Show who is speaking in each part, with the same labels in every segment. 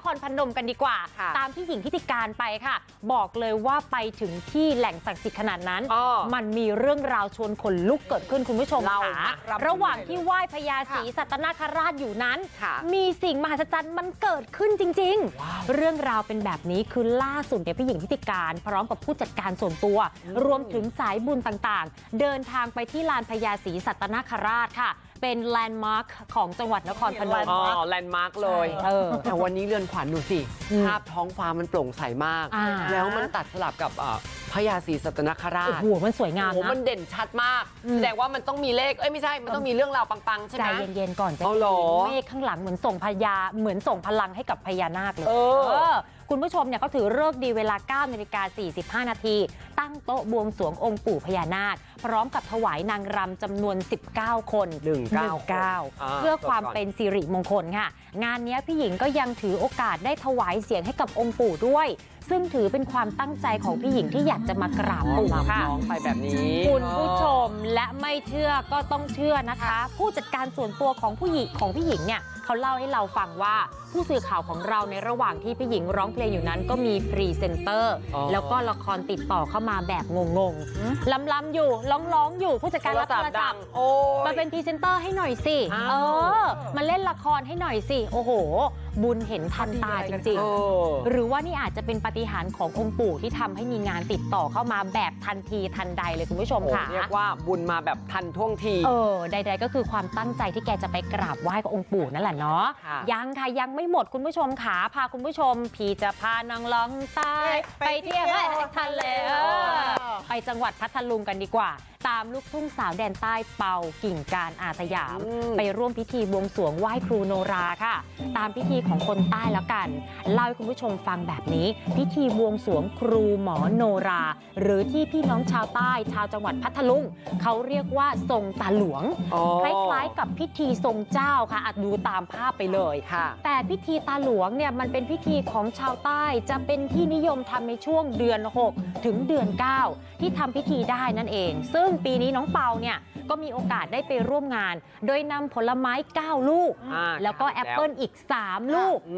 Speaker 1: รพนมกันดีกว่าตามพี่หญิงทิติการไปค่ะบอกเลยว่าไปถึงที่แหล่งศักดิ์สิทธิ์ขนาดนั้นมันมีเรื่องราวชวนขนลุกเกิดขึ้นคุณผู้ชมค่ะระหว่างที่ไหว้พญาศรีสัตนคราชอยู่นั้นมีสิ่งมหัศจรรย์มันเกิดขึ้นจริงๆเรื่องราวเป็นแบบนี้คือล่าสุดเนี่ยพี่หญิงทิติการพร้อมกับผู้จัดการส่วนตัวรวมถึงสายบุญต่างๆเดินทางไปที่ลานพญาศรีสัตนคราชค่ะเป็นแลนด์มาร์คของจังหวัดนครพนม
Speaker 2: แลนด์มาร์คเลยแต่วันนี้เรือนขวัญดูสิภาพท้องฟ้ามันโปร่งใสมากแล้วมันตัดสลับกับพญาศรีสัตนคราช
Speaker 1: โอ้โหมันสวยงามนะ
Speaker 2: มันเด่นชัดมากแสดงว่ามันต้องมีเลขไม่ใช่มันต้องมีเรื่องราวปังๆใช่ไหม
Speaker 1: ใจเย็นๆก่อนใจเย็นเมฆข้างหลังเหมือนส่งส่งพลังให้กับพญานาคเลยคุณผู้ชมเนี่ยเขาถือฤกษ์ดีเวลา 9:45 นาทีตั้งโต๊ะบวงสรวงองค์ปู่พญานาคพร้อมกับถวายนางรำจำนวน19 คนเพื่อความเป็นสิริมงคลค่ะงานนี้พี่หญิงก็ยังถือโอกาสได้ถวายเสียงให้กับองค์ปู่ด้วยซึ่งถือเป็นความตั้งใจของพี่หญิงที่อยากจะมากราบปู่ค่ะ
Speaker 2: ไปแบบนี้
Speaker 1: คุณผู้ชมและไม่เชื่อก็ต้องเชื่อนะคะผู้จัดการส่วนตัวของพี่หญิงเนี่ยเขาเล่าให้เราฟังว่าผู้สื่อข่าวของเราในระหว่างที่พี่หญิงร้องเพลงอยู่นั้นก็มีพรีเซนเตอร์แล้วก็ละครติดต่อเข้ามาแบบงงๆล้ำอยู่ร้องอยู่ผู้จัดการรับโทรศัพท์มาเป็นพรีเซนเตอร์ให้หน่อยสิมาเล่นละครให้หน่อยสิโอ้โหบุญเห็นทันตาจริงๆหรือว่านี่อาจจะเป็นปาฏิหาริย์ขององค์ปู่ที่ทำให้มีงานติดต่อเข้ามาแบบทันทีทันใดเลยคุณผู้ชมค่ะ
Speaker 2: เรียกว่าบุญมาแบบทันท่วงที
Speaker 1: ใดๆก็คือความตั้งใจที่แกจะไปกราบไหว้กับองค์ปู่นั่นแหละเนาะยังค่ะยังไม่หมดคุณผู้ชมขาพาคุณผู้ชมพี่จะพานางล่องใต้ไปเที่ยวทะเลไปจังหวัดพัทลุงกันดีกว่าตามลูกทุ่งสาวแดนใต้เป่ากิ่งการอาสยามไปร่วมพิธีบวงสรวงไหว้ครูโนราค่ะตามพิธีของคนใต้แล้วกันเล่าให้คุณผู้ชมฟังแบบนี้พิธีบวงสรวงครูหมอโนราหรือที่พี่น้องชาวใต้ชาวจังหวัดพัทลุงเขาเรียกว่าทรงตาหลวงคล้ายๆกับพิธีทรงเจ้าค่ะดูตามภาพไปเลยแต่พิธีตาหลวงเนี่ยมันเป็นพิธีของชาวใต้จะเป็นที่นิยมทำในช่วงเดือน6ถึงเดือน9ที่ทำพิธีได้นั่นเองซึ่งปีนี้น้องเปาเนี่ยก็มีโอกาสได้ไปร่วมงานโดยนำผลไม้9ลูกแล้วก็แอปเปิลอีก3ลูก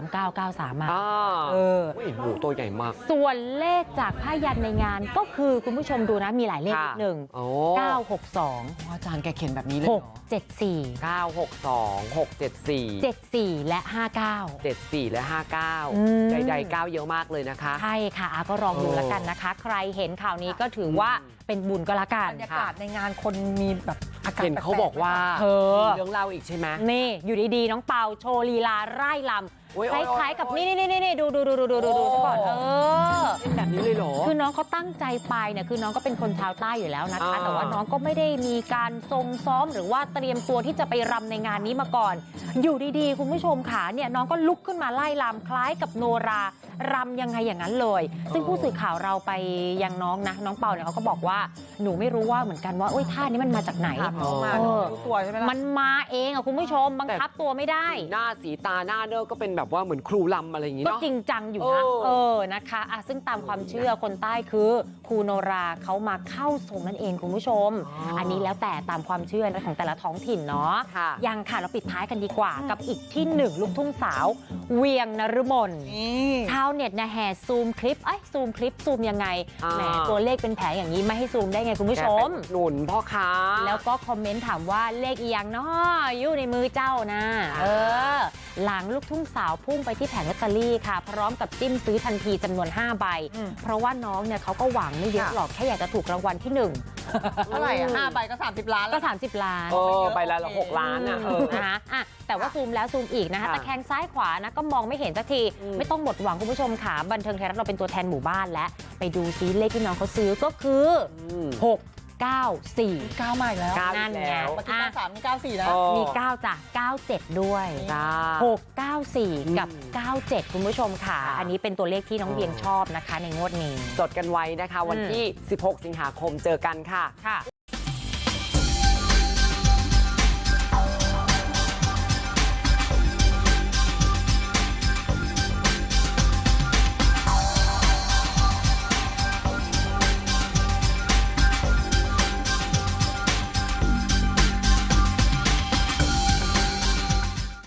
Speaker 1: 3993มา
Speaker 2: หมูตัวใหญ่มาก
Speaker 1: ส่วนเลขจากผ้ายันในงานก็คือคุณผู้ชมดูนะมีหลายเลขนิดหนึ่ง962
Speaker 2: อาจารย์แกเขียนแบบนี้เลย
Speaker 1: 674
Speaker 2: 962 674
Speaker 1: 74และ59
Speaker 2: 74และ59ใดๆ9เยอะมากเลยนะคะ
Speaker 1: ใช่ค่ะก็ลองดูแล้วกันนะคะใครเห็นข่าวนี้ก็ถือว่าเป็นบุญก็แล้วกัน
Speaker 3: บรรยากาศในงานคนมีแบบอากาศ
Speaker 2: เห็นเขาบอกว่ามีเรื่องเล่าอีกใช่ไหม
Speaker 1: นี่อยู่ดีๆน้องเปาโชว์ลีลาไร่ลำคล้ายๆกับนี่ดูซะก่อน
Speaker 2: เป็นแบบนี้เลยเหรอ
Speaker 1: คือน้องเขาตั้งใจไปเนี่ยคือน้องก็เป็นคนชาวใต้อยู่แล้วนะคะแต่ว่าน้องก็ไม่ได้มีการทรงซ้อมหรือว่าเตรียมตัวที่จะไปรำในงานนี้มาก่อนอยู่ดีๆคุณผู้ชมค่ะเนี่ยน้องก็ลุกขึ้นมาไล่รำคล้ายกับโนรารำยังไงอย่างนั้นเลยซึ่งผู้สื่อข่าวเราไปยังน้องนะน้องเปาเนี่ยเขาก็บอกว่าหนูไม่รู้ว่าเหมือนกันว่าท่านี้มันมาจากไหน
Speaker 3: ตัวใช่ไหมล่ะ
Speaker 1: มันมาเองคุณผู้ชมบังคับตัวไม่ได้
Speaker 2: หน้าสีตาหน้าเนื้อก็เป็นแบบว่าเหมือนครูลำอะไรอย่างงี้
Speaker 1: เนาะก็จริงจังอยู่นะนะคะซึ่งตามความเชื่อคนใต้คือครูโนราเขามาเข้าทรงนั่นเองคุณผู้ชมอันนี้แล้วแต่ตามความเชื่อของแต่ละท้องถิ่นเนาะยังค่ะเราปิดท้ายกันดีกว่ากับอีกที่หนึ่งลูกทุ่งสาวเวียงนฤมลชาวเน็ตนะแห่ซูมคลิปซูมยังไงแหมตัวเลขเป็นแผงอย่างนี้ไม่ให้ซูมได้ไงคุณผู้ชม
Speaker 2: หนุนพ่อค้า
Speaker 1: แล้วก็คอมเมนต์ถามว่าเลขอีหยังเนาะอยู่ในมือเจ้านะหลังลูกทุ่งสาวพุ่งไปที่แผงลอตเตอรี่ค่ะพร้อมกับจิ้มซื้อทันทีจำนวน5ใบเพราะว่าน้องเนี่ยเขาก็หวังไม่เยอะหรอกแค่อยากจะถูกรางวัลที่1
Speaker 3: เท่าไหร่5ใบก็30 ล้าน
Speaker 1: ก็30 ล้าน
Speaker 2: ใบละ6 ล้าน
Speaker 1: นะคะแต่ว่าซูมแล้วซูมอีกนะคะตะแคงซ้ายขวานะก็มองไม่เห็นสักทีไม่ต้องหมดหวังคุณผู้ชมค่ะบันเทิงไทยรัฐเราเป็นตัวแทนหมู่บ้านและไปดูซิเลขที่น้องเขาซื้อก็คือ694
Speaker 3: มาอีกแล้ว
Speaker 1: นั่นไง
Speaker 3: เมื่อกี้93นี่94นะ
Speaker 1: มี9จ้ะ97ด้วย694กับ97คุณผู้ชมค่ะอันนี้เป็นตัวเลขที่น้องเวียงชอบนะคะในงวดนี้
Speaker 2: จดกันไว้นะคะวันที่16 สิงหาคมเจอกันค่ะ